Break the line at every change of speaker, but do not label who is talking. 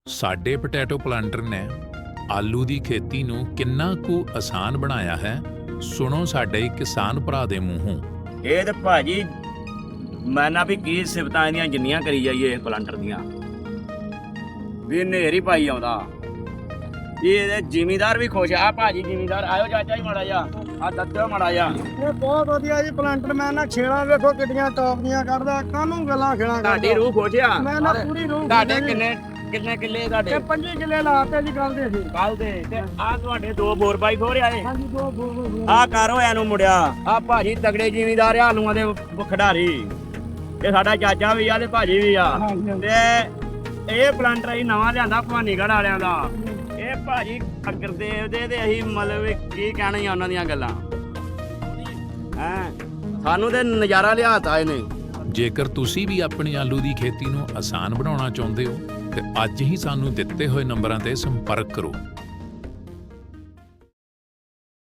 ਸਾਡੇ potato planter ਨੇ ਆਲੂ ਦੀ ਖੇਤੀ ਨੂੰ ਕਿੰਨਾ ਕੁ ਆਸਾਨ ਬਣਾਇਆ ਹੈ, ਸੁਣੋ ਸਾਡੇ ਕਿਸਾਨ ਭਰਾ ਦੇ ਮੂੰਹੋਂ।
ਇਹ ਤੇ ਭਾਜੀ ਮੈਂ ਨਾ ਵੀ ਕੀ ਸਿਫਤਾਂ ਇਹਦੀਆਂ ਜਿੰਨੀਆਂ ਕਰੀ ਜਾਈਏ ਪਲਾਂਟਰ ਦੀਆਂ, ਵੀ ਨੇਰੀ ਪਾਈ ਆਉਂਦਾ। ਇਹ ਜ਼ਿਮੀਦਾਰ ਵੀ ਖੁਸ਼ ਆ। ਭਾਜੀ ਜ਼ਿਮੀਦਾਰ ਆਇਓ ਚਾਚਾ ਜੀ ਮਾੜਾ ਜਾ, ਆ ਦੱਸਿਓ ਮਾੜਾ ਜਾ।
ਇਹ ਬਹੁਤ ਵਧੀਆ ਜੀ ਪਲਾਂਟਰ। ਮੈਂ ਨਾ ਛੇਲਾਂ ਵੇਖੋ ਕਿੱਡੀਆਂ ਟੌਪ ਦੀਆਂ ਕੱਢਦਾ, ਕਾਹਨੂੰ ਗੱਲਾਂ ਖੇਲਾਂ
ਤੁਹਾਡੀ ਰੂਹ ਖੁਸ਼ ਆ।
ਮੈਂ ਨਾ ਪੂਰੀ ਰੂਹ
ਤੁਹਾਡੇ ਕਿੰਨੇ ਕਿੱਲੇ ਤੁਹਾਡੇ?
25 ਕਿੱਲੇ ਲਾਤੇ ਜੀ ਕੱਲ ਦੇ ਸੀ।
ਕੱਲ ਦੇ ਤੇ ਆ ਤੁਹਾਡੇ 2 4x4 ਆਏ।
ਹਾਂਜੀ ਦੋ
ਆ ਕਰ ਹੋਇਆ ਨੂੰ ਮੁੜਿਆ। ਆ ਭਾਜੀ ਤਗੜੇ ਜ਼ਿਮੀਦਾਰ ਆ, ਆਲੂਆਂ ਦੇ ਖਿਡਾਰੀ। ਇਹ ਸਾਡਾ ਚਾਚਾ ਵੀ ਆ ਤੇ ਭਾਜੀ ਵੀ ਆ। ਤੇ ਇਹ ਪਲਾਂਟਰ ਅਸੀਂ ਨਵਾਂ ਲਿਆਂਦਾ ਭਵਾਨੀਗੜ੍ਹ ਵਾਲਿਆਂ ਦਾ। ਇਹ ਭਾਜੀ ਅਗਰਦੇਵ ਦੇ ਤੇ ਅਸੀਂ ਮਤਲਬ ਕੀ ਕਹਿਣਾ ਹੀ ਉਹਨਾਂ ਦੀਆਂ ਗੱਲਾਂ। ਸਾਨੂੰ ਤੇ ਨਜ਼ਾਰਾ ਲਿਆਤਾ ਇਹਨੇ।
ਜੇਕਰ ਤੁਸੀਂ ਵੀ ਆਪਣੀ ਆਲੂ ਦੀ ਖੇਤੀ ਨੂੰ ਆਸਾਨ ਬਣਾਉਣਾ ਚਾਹੁੰਦੇ ਹੋ ਤੇ ਅੱਜ ਹੀ ਸਾਨੂੰ ਦਿੱਤੇ ਹੋਏ ਨੰਬਰਾਂ ਤੇ ਸੰਪਰਕ ਕਰੋ।